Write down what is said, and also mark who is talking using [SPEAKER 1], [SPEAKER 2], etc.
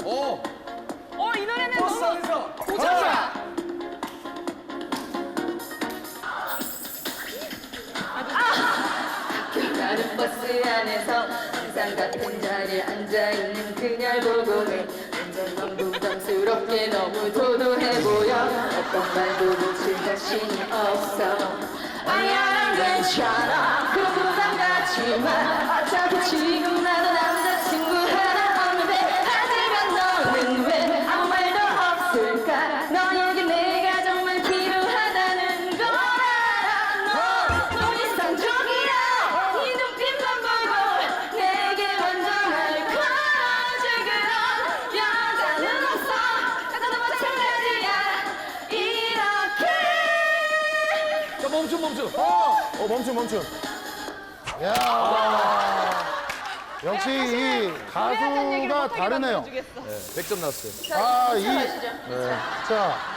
[SPEAKER 1] 이 노래는
[SPEAKER 2] 버스
[SPEAKER 1] 너무
[SPEAKER 2] 안에서.
[SPEAKER 1] 고정이야.
[SPEAKER 3] 나는 버스 안에서 항상 같은 자리에 앉아있는 그녀를 보고는 완전 넌 부담스럽게 너무 도도해 보여. 어떤 말도 붙일 자신이 없어. 아니야 난 괜찮아 그 부담 갖지 마. 어차피 지금 나도 남자친구 하나 없는데 하지만 너는 왜 아무 말도 없을까. 너에게 내가 정말 필요하다는 걸 알아. 넌 이상적이야. 네 눈빛만 보고 내게 먼저 날 걸어줄 그런 여자는 없어. 나도 마찬가지야. 이렇게
[SPEAKER 2] 자, 멈춤.
[SPEAKER 4] 멈춤. 야 역시 이 가수가 다르네요.
[SPEAKER 2] 100점 나왔어요.
[SPEAKER 4] 아, 이,
[SPEAKER 3] 가시죠.
[SPEAKER 4] 자,